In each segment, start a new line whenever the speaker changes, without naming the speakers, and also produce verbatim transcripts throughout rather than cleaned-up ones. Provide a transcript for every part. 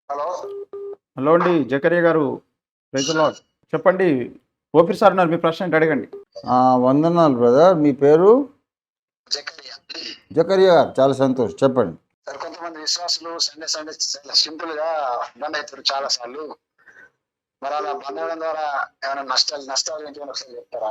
Hello
hello అండి జకరియా గారు, praise the lord. చెప్పండి. ఓఫీర్ సార్ ఉన్నారు, మీ ప్రశ్న ఏంటి అడగండి.
ఆ, వందనాలు బ్రదర్. మీ పేరు?
జకరియా.
జకరియా గారు, చాలా సంతోషం. చెప్పండి.
సార్, కొంతమంది విశ్వాసులు సండే సండే చాలా సింపుల్ గా బంద్ అవుతారు చాలా సార్లు. మరి అలా బంద్ అవడం ద్వారా ఏమైనా నష్టాలు నష్టాలు ఏంటి అని ఒకసారి చెప్తారా?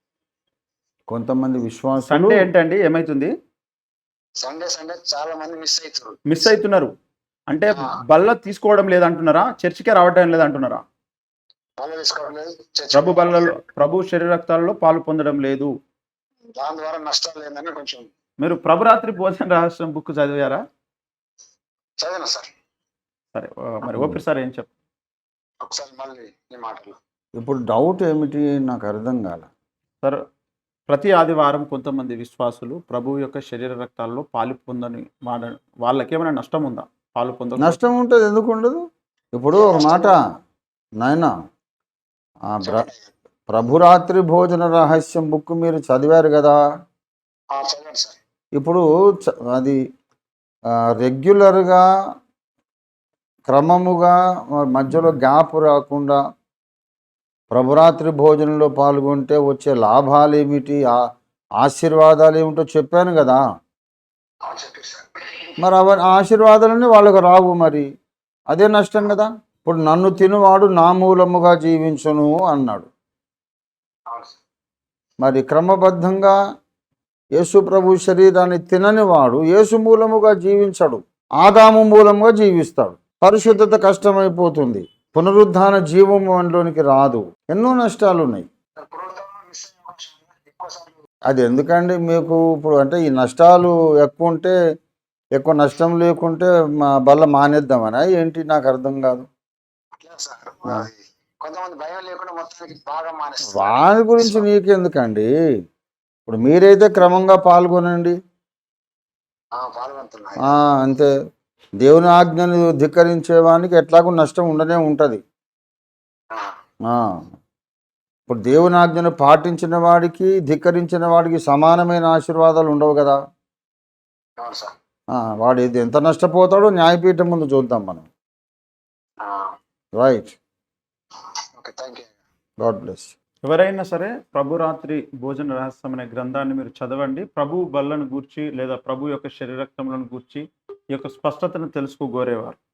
కొంతమంది విశ్వాసులు
సండే ఏంటండి, ఏమైతుంది?
సండే సండే చాలా మంది మిస్ అవుతారు.
మిస్ అవుతున్నారు అంటే
ఆ.
బల్ల తీసుకోవడం లేదంటున్నారా? చర్చికే రావడం లేదంటున్నారా?
పనులు తీసుకోవడం లేదు, చర్చికి
ప్రభు
రావడం
బల్లలో
లేదు.
ప్రభు శరీరక్తాలలో పాలు పొందడం లేదు.
దాని ద్వారా నష్టాలు లేదని కొంచెం
మీరు ప్రభురాత్రి భోజన రహస్యం బుక్ చదివారా?
చదివిన సార్.
సరే, ఆ, మరి ఓఫీర్ సార్ ఏం చెప్
ఒకసారి మళ్ళీ ఈ మాటలు.
ఇప్పుడు డౌట్ ఏమిటి నాకు అర్థం కాల.
సార్, ప్రతి ఆదివారం కొంతమంది విశ్వాసులు ప్రభు యొక్క శరీర రక్తాల్లో పాలు పొందని వాడ వాళ్ళకి ఏమైనా నష్టం ఉందా? పాలు పొంద
నష్టం ఉంటుంది, ఎందుకు ఉండదు? ఇప్పుడు ఒక మాట నాయన, ఆ బ్ర ప్రభురాత్రి భోజన రహస్యం బుక్ మీరు చదివారు కదా.
ఆ, చదవండి సార్.
ఇప్పుడు చ- అది ఆ, రెగ్యులర్గా క్రమముగా మధ్యలో గ్యాప్ రాకుండా ప్రభురాత్రి భోజనంలో పాల్గొంటే వచ్చే లాభాలు ఏమిటి, ఆ- ఆశీర్వాదాలు ఏమిటో చెప్పాను కదా.
ఆ, చెప్పండి సార్.
మరి అవ ఆశీర్వాదాలన్నీ వాళ్ళకు రావు, మరి అదే నష్టం కదా. ఇప్పుడు నన్ను తినువాడు నా మూలముగా జీవించును అన్నాడు.
అవును సార్.
మరి క్రమబద్ధంగా యేసు ప్రభు శరీరాన్ని తినని వాడు యేసు మూలముగా జీవించడు, ఆదాము మూలముగా జీవిస్తాడు. పరిశుద్ధత కష్టమైపోతుంది, పునరుద్ధాన జీవము మనలోనికి రాదు, ఎన్నో నష్టాలు ఉన్నాయి.
పునరుద్ధరణ మిస్ అయ్యే అవకాశం ఉందా? ఎక్కువ సార్లు
అది ఎందుకండి మీకు? ఇప్పుడు అంటే ఈ నష్టాలు ఎక్కువ ఉంటే, ఎక్కువ నష్టం లేకుంటే మా బల్ల మానేద్దామనా ఏంటి? నాకు అర్థం కాదు.
అట్లా సార్. అది కొంతమంది భయం లేకుండా మొత్తానికి బాగా మానేస్తారు.
వాని గురించి నీకెందుకండి? ఇప్పుడు మీరైతే క్రమంగా పాల్గొనండి.
ఆ, పాల్గొంటున్నాయి.
ఆ, అంతే. దేవుని ఆజ్ఞను ధిక్కరించేవానికి ఎట్లాగో నష్టం ఉండనే ఉంటుంది. ఆ, ఇప్పుడు దేవుని ఆజ్ఞను పాటించిన వాడికి ధిక్కరించిన వాడికి సమానమైన ఆశీర్వాదాలు ఉండవు కదా.
అవును సార్.
ఆ, వాడు ఇది ఎంత నష్టపోతాడో న్యాయపీఠం ముందు చూద్దాం మనం. Right.
Okay, thank you.
God bless.
ఎవరైనా సరే ప్రభురాత్రి భోజన రహస్యం అనే గ్రంథాన్ని మీరు చదవండి. ప్రభు బల్లను గూర్చి లేదా ప్రభు యొక్క శరీరక్తములను గూర్చి ఈ యొక్క స్పష్టతను తెలుసుకోగోరేవారు.